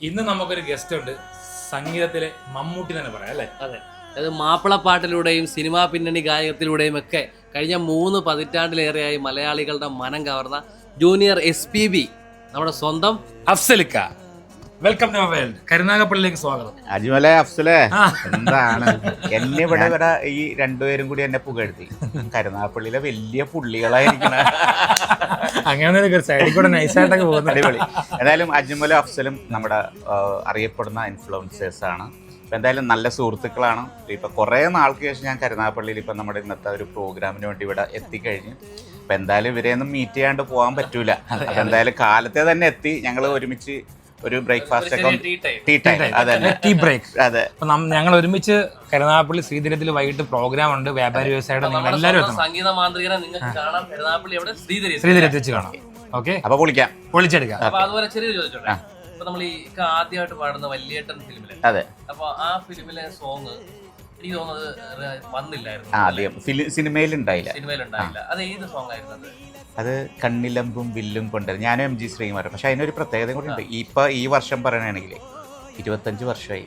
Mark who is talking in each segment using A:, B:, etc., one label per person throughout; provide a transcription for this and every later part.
A: ഇന്ന് നമുക്കൊരു ഗസ്റ്റ് ഉണ്ട്, സംഗീതത്തിലെ മമ്മൂട്ടി തന്നെ പറയാം അല്ലേ?
B: അതെ, അത് മാപ്പിളപ്പാട്ടിലൂടെയും സിനിമാ പിന്നണി ഗായകത്തിലൂടെയും ഒക്കെ കഴിഞ്ഞ 3 പതിറ്റാണ്ടിലേറെയായി മലയാളികളുടെ മനം കവർന്ന ജൂനിയർ SPB നമ്മുടെ സ്വന്തം
A: അഫ്സലിക്ക. Welcome to world. കരുനാഗപ്പള്ളിയിലേക്ക് സ്വാഗതം.
C: അജ്മലെ അഫ്സലെ, എന്താണ് എന്നെ ഇവിടെ ഈ രണ്ടുപേരും കൂടി എന്നെ പുകഴ്ത്തി. കരുനാഗപ്പള്ളിയിലെ വലിയ പുള്ളികളായിരിക്കണ
A: അങ്ങനെ സൈഡിൽ കൂടെ നൈസായിട്ടൊക്കെ പോകുന്നത്.
C: അടിപൊളി. എന്തായാലും അജ്മലും അഫ്സലും നമ്മുടെ അറിയപ്പെടുന്ന ഇൻഫ്ലുവൻസേഴ്സ് ആണ്. ഇപ്പം എന്തായാലും നല്ല സുഹൃത്തുക്കളാണ്. ഇപ്പം കുറേ നാൾക്ക് ശേഷം ഞാൻ കരുനാഗപ്പള്ളിയിൽ ഇപ്പം നമ്മുടെ ഇന്നത്തെ ഒരു പ്രോഗ്രാമിന് വേണ്ടി ഇവിടെ എത്തിക്കഴിഞ്ഞു. അപ്പം എന്തായാലും ഇവരെയൊന്നും മീറ്റ് ചെയ്യാണ്ട് പോകാൻ പറ്റൂല. അപ്പം എന്തായാലും കാലത്തെ തന്നെ എത്തി. ഞങ്ങൾ ഒരുമിച്ച് ഒരു ബ്രേക്ക്ഫാസ്റ്റ് ഒക്കെ
A: ടീ ബ്രേക്ക്.
C: അതെ,
A: ഞങ്ങൾ ഒരുമിച്ച് കരുനാഗപ്പള്ളി ശ്രീധരത്തിൽ വൈകിട്ട് പ്രോഗ്രാം ഉണ്ട്. വ്യാപാരി വ്യവസായിയുടെ നിങ്ങൾ എല്ലാവരും
B: സംഗീത മാന്ത്രികനെ നിങ്ങൾക്ക് കാണാം കരുനാഗപ്പള്ളി അവിടെ
A: ശ്രീധരത്തിൽ വെച്ച് കാണാം. ഓക്കെ,
C: അപ്പൊ
A: പൊളിച്ചെടുക്കാം.
B: അപ്പൊ അതുപോലെ ചെറിയ ചോദിച്ചോട്ടെ, അപ്പൊ നമ്മൾ ഈ ആദ്യമായിട്ട് പാടുന്ന വല്യേട്ടൻ ഫിലിമില്,
C: അതെ,
B: അപ്പൊ ആ ഫിലിമിലെ സോങ് എനിക്ക് തോന്നുന്നത് വന്നില്ലായിരുന്നു.
C: ആദ്യം സിനിമയിൽ ഉണ്ടായില്ല.
B: അത് ഏത് സോങ് ആയിരുന്നത്?
C: അത് കണ്ണിലമ്പും വില്ലും കൊണ്ട് ഞാനും MG ശ്രീകുമാരൻ. പക്ഷെ അതിനൊരു പ്രത്യേകത കൂടി ഉണ്ട്. ഇപ്പൊ ഈ വർഷം പറയണെങ്കിൽ 25 വർഷമായി.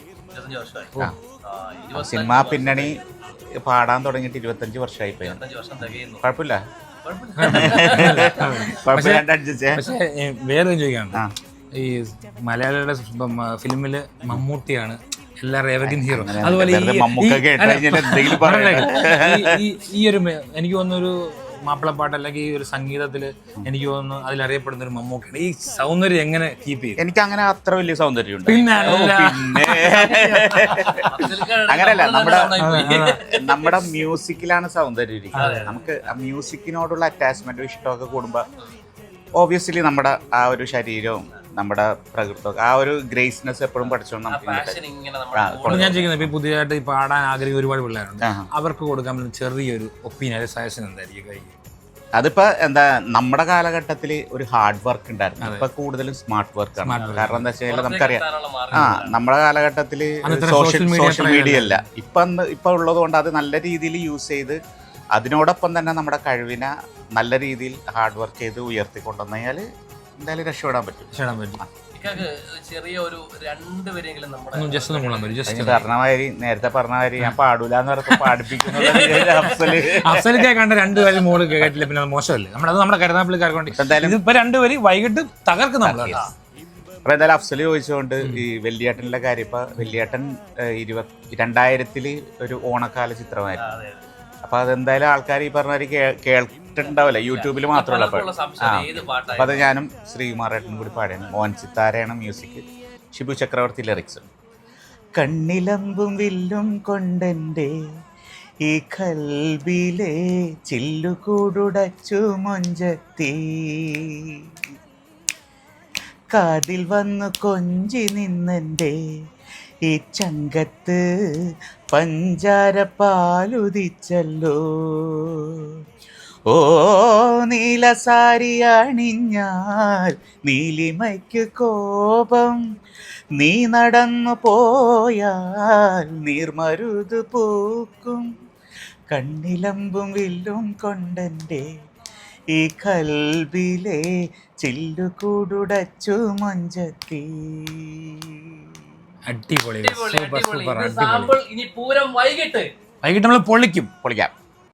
C: സിനിമാ പിന്നണി പാടാൻ തുടങ്ങിയിട്ട് 25 വർഷമായി. കുഴപ്പമില്ല.
A: പക്ഷേ വേറെ ചോദിക്കാണ്, ഈ മലയാളിയുടെ ഫിലിമില് മമ്മൂട്ടിയാണ് എല്ലാവരും എവർഗ്രീൻ ഹീറോ. അതുപോലെ ഈ ഒരു എനിക്ക് തോന്നുന്നൊരു മാപ്പിളപ്പാട്ട് അല്ലെങ്കിൽ ഈ ഒരു സംഗീതത്തില് എനിക്ക് തോന്നുന്നു അതിലറിയപ്പെടുന്ന ഒരു മമ്മൂക്കാണ്. ഈ സൗന്ദര്യം എങ്ങനെ കീപ്പ് ചെയ്യും?
C: എനിക്ക് അങ്ങനെ അത്ര വലിയ സൗന്ദര്യം ഉണ്ട്.
A: പിന്നെ
C: അങ്ങനെയല്ല, നമ്മുടെ മ്യൂസിക്കിലാണ് സൗന്ദര്യം ഇരിക്കുന്നത്. നമുക്ക് ആ മ്യൂസിക്കിനോടുള്ള അറ്റാച്ച്മെന്റും ഇഷ്ടമൊക്കെ കൂടുമ്പോ ഓബിയസ്ലി നമ്മുടെ ആ ഒരു ശരീരവും നമ്മുടെ പ്രകൃതം ആ ഒരു ഗ്രേസ്നെസ് എപ്പോഴും പഠിച്ചോണ്ട് നമുക്ക്
A: ഞാൻ ചെയ്യുന്നത്. ഇപ്പൊ പുതിയതായിട്ട് പാടാൻ ആഗ്രഹിക്കുന്ന ഒരുപാട് പിള്ളേരുണ്ട്. അവർക്ക് കൊടുക്കാൻ പറ്റുന്ന ചെറിയൊരു ഒപ്പീനിയൻ സജഷൻ എന്തായിരിക്കും?
C: അതിപ്പോ എന്താ, നമ്മുടെ കാലഘട്ടത്തിൽ ഒരു ഹാർഡ് വർക്ക് ഉണ്ടായിരുന്നു. ഇപ്പൊ കൂടുതലും സ്മാർട്ട് വർക്ക് ആണ്. കാരണം എന്താ വെച്ചാൽ നമുക്കറിയാം, നമ്മുടെ കാലഘട്ടത്തിൽ സോഷ്യൽ മീഡിയ അല്ല ഇപ്പൊ ഉള്ളത് കൊണ്ട് അത് നല്ല രീതിയിൽ യൂസ് ചെയ്ത് അതിനോടൊപ്പം തന്നെ നമ്മുടെ കഴിവിനെ നല്ല രീതിയിൽ ഹാർഡ് വർക്ക് ചെയ്ത് ഉയർത്തിക്കൊണ്ടുവന്നു കഴിഞ്ഞാൽ എന്തായാലും രക്ഷപ്പെടാൻ പറ്റും. നേരത്തെ പറഞ്ഞ മാതിരി ഞാൻ പാടൂലെന്ന് പറഞ്ഞപ്പോൾ പാടിപ്പിക്കുന്നത്
A: അഫ്സലിക്ക കണ്ട രണ്ടുപേരും മോള് കേട്ടില്ല, പിന്നെ മോശമല്ലേ? നമ്മുടെ കരുനാഗപ്പള്ളിക്കാർക്ക് വേണ്ടി എന്തായാലും ഇപ്പൊ രണ്ടുപേരും വൈകിട്ട് തകർക്കും നമ്മൾ.
C: അപ്പൊ എന്തായാലും അഫ്സൽ ചോദിച്ചുകൊണ്ട് ഈ വെള്ളിയേട്ടനിലെ കാര്യം, ഇപ്പൊ വെള്ളിയേട്ടൻ 2000 ഒരു ഓണക്കാല ചിത്രമായിരുന്നു. അപ്പൊ അതെന്തായാലും ആൾക്കാർ ഈ പറഞ്ഞ കേട്ടിട്ടുണ്ടാവില്ല, യൂട്യൂബിൽ മാത്രമല്ല. അപ്പൊ അത് ഞാനും ശ്രീകുമാരേട്ടനും കൂടി പാടിയാണ്. മോഹൻ സിത്താരയാണ് മ്യൂസിക്, ഷിബു ചക്രവർത്തി ലിറിക്സ്. കണ്ണിലമ്പും വില്ലും കൊണ്ടെൻ്റെ ഈ കൽബിലെ ചില്ലുകൂടുടച്ചു മൊഞ്ചത്തി, കാതിൽ വന്നു കൊഞ്ചി നിന്നെൻ്റെ ഈ ചങ്കത്ത് പഞ്ചാര പാലുദിച്ചല്ലോ. ഓ നീലസാരി അണിഞ്ഞാൽ നീലിമയ്ക്ക് കോപം, നീ നടന്നു പോയാൽ നീർമരുത് പൂക്കും. കണ്ണിലമ്പും വില്ലും കൊണ്ടെൻ്റെ ഈ കൽബിലെ ചില്ലുകൂടുടച്ചു മൊഞ്ചത്തി.
A: അടിപൊളി.
B: ഇനി പൂരം വൈകിട്ട്
A: നമ്മൾ പൊളിക്കാം.